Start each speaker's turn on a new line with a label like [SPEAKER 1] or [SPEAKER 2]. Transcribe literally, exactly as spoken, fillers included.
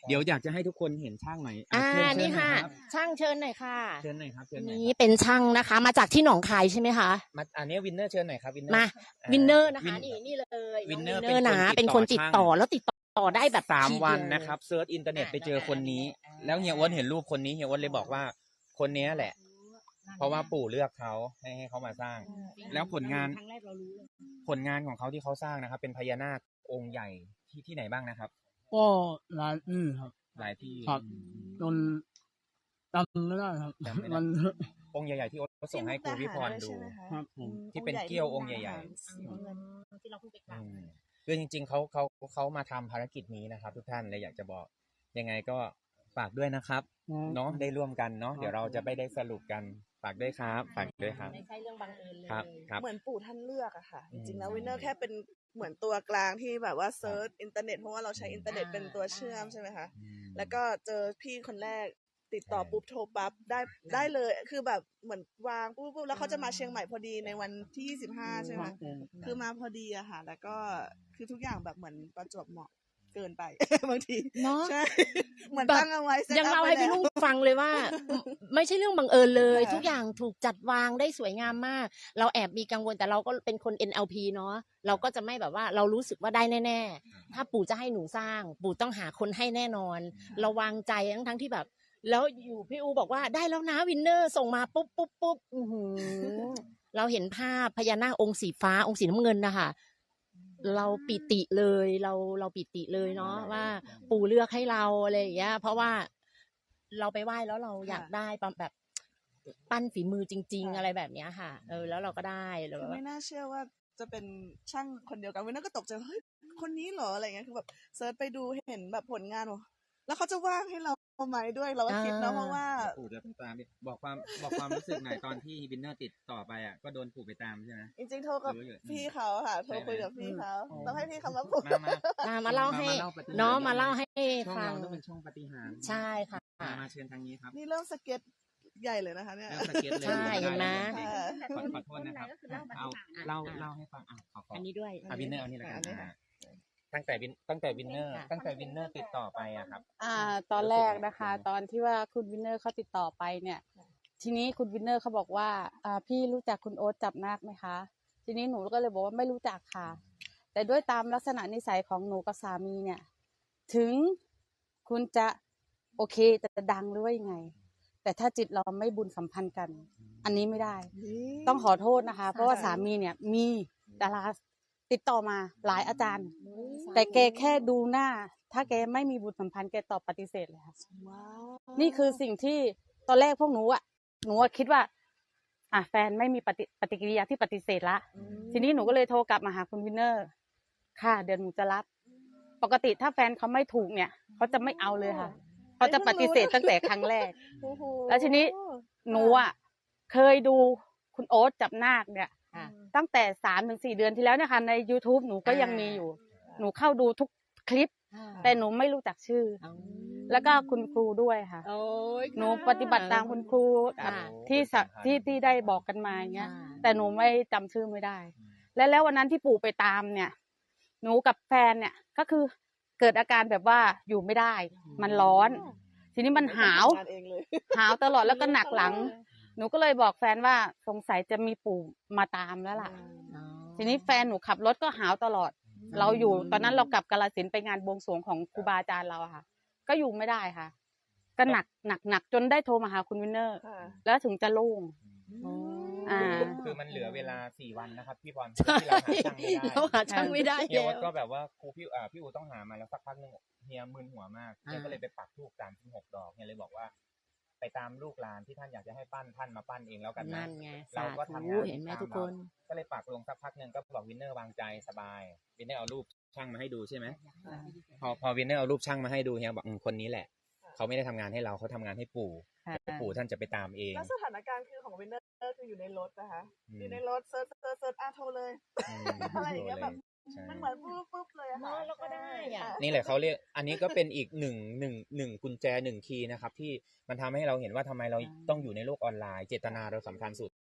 [SPEAKER 1] เดี๋ยวอยากจะให้ทุกคนเห็นช่างหน่อยอ่า
[SPEAKER 2] นี่ค่ะช่างเชิญหน่อยค่ะ
[SPEAKER 1] เชิญหน่อยครับเชิญหน่อย
[SPEAKER 2] นี่เป็นช่างนะคะมาจากที่หนองคายใช่ไหมคะ
[SPEAKER 1] มาอันนี้วินเนอร์เชิญหน่อยครับวินเนอร์
[SPEAKER 2] มาวินเนอร์นะคะนี่นี่เลย
[SPEAKER 1] วินเนอร์
[SPEAKER 2] นะเป็นคนติดต่อแล้วติดต่อได้แบบ
[SPEAKER 1] สามวันนะครับเซิร์ชอินเทอร์เน็ตไปเจอคนนี้แล้วเฮียอ้วนเห็นรูปคนนี้เฮียอ้วนเลยบอกว่าคนนี้แหละเพราะว่าปู่เลือกเขาให้ให้เขามาสร้างแล้วผลงานผลงานของเขาที่เขาสร้างนะครับเป็นพญานาคองค์ใหญ่ที่ที่ไหนบ้างนะครับ
[SPEAKER 3] ก็หลายที่ครับ
[SPEAKER 1] หลายที่
[SPEAKER 3] ครับจนจำไม่ได้ครับมัน
[SPEAKER 1] องค์ใหญ่ๆที่โอ๊ตส่งให้ครูวิพรดู
[SPEAKER 3] ครับ
[SPEAKER 1] ที่เป็นเกี้ยวองค์ใหญ่ๆที่เราเพิ่งไปกราบคือจริงๆเขาเขาเขามาทำภารกิจนี้นะครับทุกท่านเลยอยากจะบอกยังไงก็ฝากด้วยนะครับเนาะได้ร่วมกันเนาะเดี๋ยวเราจะไปได้สรุปกันฝากด้วยครับฝากด้วยครับ
[SPEAKER 2] ไม่ใช่เรื่องบังเอิญเลย
[SPEAKER 1] ครับ
[SPEAKER 4] เหมือนปู่ท่านเลือกอะค่ะจริงๆแล้ววินเนอร์แค่เป็นเหมือนตัวกลางที่แบบว่าเซิร์ชอินเทอร์เน็ตเพราะว่าเราใช้อินเทอร์เน็ตเป็นตัวเชื่อมใช่ไหมคะแล้วก็เจอพี่คนแรกติดต่อปุ๊บโทรปั๊บได้ได้เลยคือแบบเหมือนวางปุ๊บปุ๊บแล้วเขาจะมาเชียงใหม่พอดีในวันที่ยี่สิบห้าใช่ไหมคือมาพอดีอะค่ะแล้วก็คือทุกอย่างแบบเหมือนประจวบเหมาะเกินไปบางที
[SPEAKER 2] เนาะ
[SPEAKER 4] ใช่เหมือนตั้งเอาไว้
[SPEAKER 2] ยังเล่าให้พี่ลุงฟังเลยว่าไม่ใช่เรื่องบังเอิญเลยทุกอย่างถูกจัดวางได้สวยงามมากเราแอบมีกังวลแต่เราก็เป็นคน เอ็น แอล พี เนาะเราก็จะไม่แบบว่าเรารู้สึกว่าได้แน่ๆถ้าปู่จะให้หนูสร้างปู่ต้องหาคนให้แน่นอนเราวางใจทั้งทั้งที่แบบแล้วอยู่พี่อูบอกว่าได้แล้วนะวินเนอร์ส่งมาปุ๊บปุ๊บปุ๊บเราเห็นภาพพญานาคองค์สีฟ้าองค์สีน้ำเงินนะคะเราปิติเลยเราเราปิติเลยเนาะว่าปู่เลือกให้เราอะไรอย่างเงี้ยเพราะว่าเราไปไหว้แล้วเราอยากได้แบบปั้นฝีมือจริงๆอะไรแบบเนี้ยค่ะเออแล้วเราก็ได้เลย
[SPEAKER 4] ไม่น่าเชื่อว่าจะเป็นช่างคนเดียวกันวินเนอร์ก็ตกใจเฮ้ยคนนี้เหรออะไรเงี้ยคือแบบเซิร์ชไปดูเห็นแบบผลงานแล้วเขาจะว่างให้เราไหมด้วยเราก็คิดนะเพราะว่า
[SPEAKER 1] ปู่จะตามบอกความบอกความรู้สึกหน่อยตอนที่วินเนอร์ติดต่อไปอ่ะก็โดนปู่ไปตามใช่ไหม
[SPEAKER 4] จริงๆโทรกับพี่เขาค่ะโทรคุยกับพี่เขาต้องให้พี่เขามาพูด
[SPEAKER 2] มามาเล่าให้น้องมาเล่าให้ฟัง
[SPEAKER 1] ต้องเป็นช่วงปฏิหาร
[SPEAKER 2] ใช่ค่ะ
[SPEAKER 1] มาเชิญทางนี้ครับ
[SPEAKER 4] นี่เริ่มสเก็ตใหญ่เลยนะคะเนี่ย
[SPEAKER 1] เริ่มสเก็ตเลย
[SPEAKER 2] ใช่เห็นไหม
[SPEAKER 1] ขอโทษนะครับเอาเล่าเล่าให้ฟังอ่ะขอ
[SPEAKER 2] อันนี้ด้วย
[SPEAKER 1] วินเนอร์อันนี้แหละกันตั้งแต่วินตั้งแต่วินเนอร์ตั้งแต่วินเนอร์ติดต่อไปอะครับ
[SPEAKER 5] อ่าตอนแรกนะคะตอนที่ว่าคุณวินเนอร์เขาติดต่อไปเนี่ยทีนี้คุณวินเนอร์เขาบอกว่าอ่าพี่รู้จักคุณโอ๊ตจับนาคไหมคะทีนี้หนูก็เลยบอกว่าไม่รู้จักค่ะแต่ด้วยตามลักษณะนิสัยของหนูกับสามีเนี่ยถึงคุณจะโอเคจะดังหรือว่ายังไงแต่ถ้าจิตเราไม่บุญสัมพันธ์กันอันนี้ไม่ได้ต้องขอโทษนะคะเพราะว่าสามีเนี่ยมีดาราติดต่อมาหลายอาจารย์แต่แกแค่ดูหน้าถ้าแกไม่มีบุญสัมพันธ์แกตอบปฏิเสธเลยค่ะนี่คือสิ่งที่ตอนแรกพวกหนูอ่ะหนูคิดว่าอ่ะแฟนไม่มีปฏิปฏิกิริยาที่ปฏิเสธละทีนี้หนูก็เลยโทรกลับมาหาคุณวินเนอร์ค่ะเดี๋ยวหนูจะรับปกติถ้าแฟนเขาไม่ถูกเนี่ยเขาจะไม่เอาเลยค่ะเขาจะปฏิเสธตั้งแต่ครั้งแรกแล้วทีนี้หนูอ่ะเคยดูคุณโอ๊ตจับนาคเนี่ยตั้งแต่สามถึงสี่เดือนที่แล้วนะคะใน YouTube หนูก็ยังมีอยู่หนูเข้าดูทุกคลิปแต่หนูไม่รู้จักชื่อแล้วก็คุณครูด้วยค่ะหนูปฏิบัติตามคุณครูที่ที่ที่ได้บอกกันมาอย่างเงี้ยแต่หนูไม่จำชื่อไม่ได้และแล้ววันนั้นที่ปู่ไปตามเนี่ยหนูกับแฟนเนี่ยก็คือเกิดอาการแบบว่าอยู่ไม่ได้มันร้อนทีนี้มันหาวหาวตลอดแล้วก็หนักหลังหนูก็เลยบอกแฟนว่าสงสัยจะมีปู่มาตามแล้วล่ะทีนี้แฟนหนูขับรถก็หาวตลอดเราอยู่ตอนนั้นเรากลับกาฬสินธุ์ไปงานบวงสรวงของครูบาอาจารย์เราค่ะก็อยู่ไม่ได้ค่ะก็หนักหนักหนักจนได้โทรมาหาคุณวินเนอร์แล้วถึงจะโล่ง
[SPEAKER 1] อ่าคือมันเหลือเวลาสี่วันนะครับพี่พรที่เราหาช่างไม่ได้
[SPEAKER 2] เราหาช่างไม่ได้
[SPEAKER 1] เฮียก็แบบว่าครูพี่อ่าพี่อูต้องหามาแล้วสักพักนึงเฮียมึนหัวมากเฮียก็เลยไปปักธูปสามสิบหกดอกเฮียเลยบอกว่าไปตามลูกหลานที่ท่านอยากจะให้ปั้นท่านมาปั้นเองแล้วกันนะเราก็ทำงาน
[SPEAKER 2] เห็นไหมทุกคน
[SPEAKER 1] ก็เลยปักลงสักพักนึงก็บอกวินเนอร์วางใจสบายวินเนอร์เอารูปช่างมาให้ดูใช่ไหมพอพอวินเนอร์เอารูปช่างมาให้ดูเฮียบอกคนนี้แหละเขาไม่ได้ทำงานให้เราเขาทำงานให้ปู่ปู่ท่านจะไปตามเอง
[SPEAKER 4] แล้วสถานการณ์คือของวินเนอร์คืออยู่ในรถนะคะอยู่ในรถเซิร์ชเซิร์ชเซิร์ชอ่ะโทรเลยอะไรอย่างเงี้ยแบบมันเหมือนปุ๊บปุ๊บเลยค่ะ
[SPEAKER 2] แล้วก็ได้อ่ะ
[SPEAKER 1] นี่แหละเขาเรียกอันนี้ก็เป็นอีกหนึ่งหนึ่งหนึ่งกุญแจหนึ่งคีย์นะครับที่มันทำให้เราเห็นว่าทำไมเราต้องอยู่ในโลกออนไลน์เจตนาเราสำคัญสุด